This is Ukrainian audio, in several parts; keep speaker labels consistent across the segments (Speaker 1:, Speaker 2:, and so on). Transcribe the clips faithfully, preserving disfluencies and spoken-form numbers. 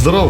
Speaker 1: Здорово!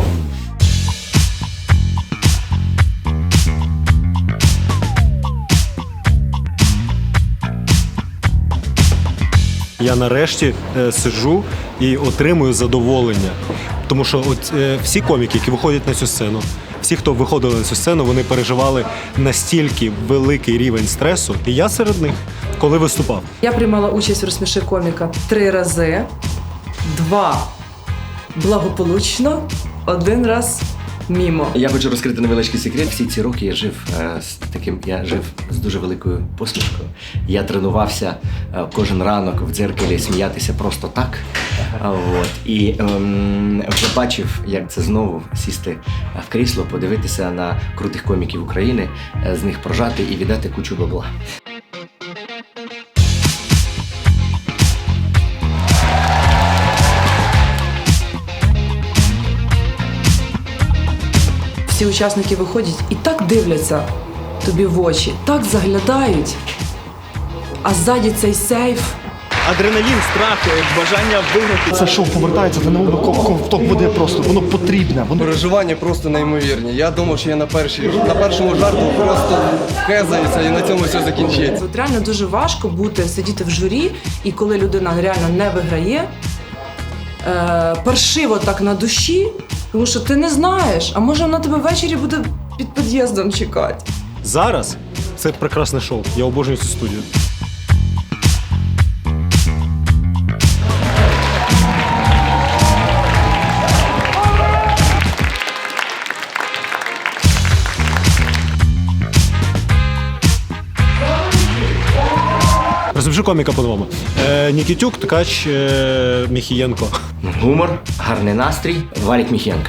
Speaker 2: Я нарешті е, сиджу і отримую задоволення. Тому що от, е, всі коміки, які виходять на цю сцену, всі, хто виходили на цю сцену, вони переживали настільки великий рівень стресу, і я серед них, коли виступав.
Speaker 3: Я приймала участь в «Розсміши коміка» три рази, два благополучно, один раз мімо.
Speaker 4: Я хочу розкрити невеличкий секрет. Всі ці роки я жив е, з таким, я жив з дуже великою посмішкою. Я тренувався е, кожен ранок в дзеркалі сміятися просто так. А, от. І ем, вже бачив, як це знову сісти в крісло, подивитися на крутих коміків України, е, з них прожати і віддати кучу бабла.
Speaker 3: Всі учасники виходять і так дивляться тобі в очі, так заглядають, а ззаді цей сейф.
Speaker 5: Адреналін, страх, бажання виграти.
Speaker 6: Це шоу повертається, це не ковток буде просто, воно потрібне. Воно...
Speaker 7: Переживання просто неймовірні. Я думав, що я на, першій, на першому жарту просто хезаюся і на цьому все закінчиться.
Speaker 3: От реально дуже важко бути, сидіти в журі, і коли людина реально не виграє, е, паршиво так на душі, тому що ти не знаєш, а може вона тебе ввечері буде під під'їздом чекати.
Speaker 2: Зараз це прекрасне шоу. Я обожнюю цю студію. Розумію коміка по-новому. Е, Нікітюк, Ткач, е, Міхієнко.
Speaker 4: Гумор, гарний настрій, Валік Міхієнко.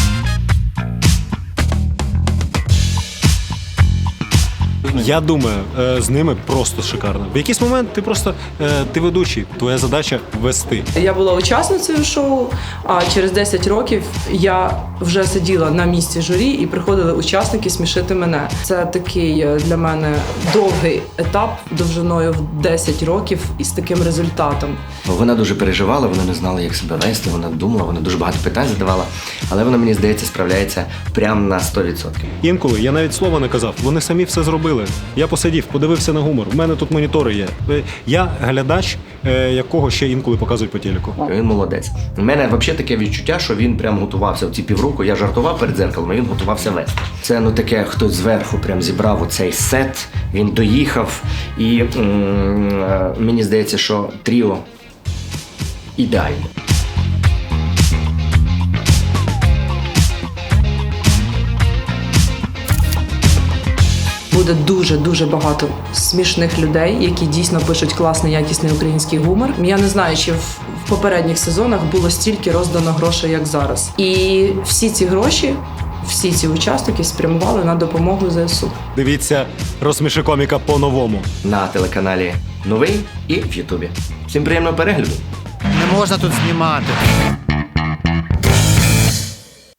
Speaker 2: Я думаю, е, з ними просто шикарно. В якийсь момент ти просто е, ти ведучий, твоя задача вести.
Speaker 3: Я була учасницею шоу, а через десять років я вже сиділа на місці журі і приходили учасники смішити мене. Це такий для мене довгий етап довжиною в десять років із таким результатом.
Speaker 4: Вона дуже переживала, вона не знала, як себе вести, вона думала, вона дуже багато питань задавала, але вона, мені здається, справляється прямо на сто відсотків.
Speaker 2: Інколи я навіть слова не казав, вони самі все зробили. Я посидів, подивився на гумор. У мене тут монітори є. Я глядач, якого ще інколи показують по телеку.
Speaker 4: Він молодець. У мене взагалі таке відчуття, що він прям готувався в ці півроку. Я жартував перед дзеркалом, а він готувався вести. Це ну таке, хтось зверху прям зібрав оцей сет, він доїхав. І м- мені здається, що тріо ідеальне.
Speaker 3: Буде дуже-дуже багато смішних людей, які дійсно пишуть класний, якісний український гумор. Я не знаю, чи в, в попередніх сезонах було стільки роздано грошей, як зараз. І всі ці гроші, всі ці учасники спрямували на допомогу ЗСУ.
Speaker 2: Дивіться «Розсміши коміка» по-новому.
Speaker 4: На телеканалі Новий і в Ютубі. Всім приємного перегляду!
Speaker 5: Не можна тут знімати.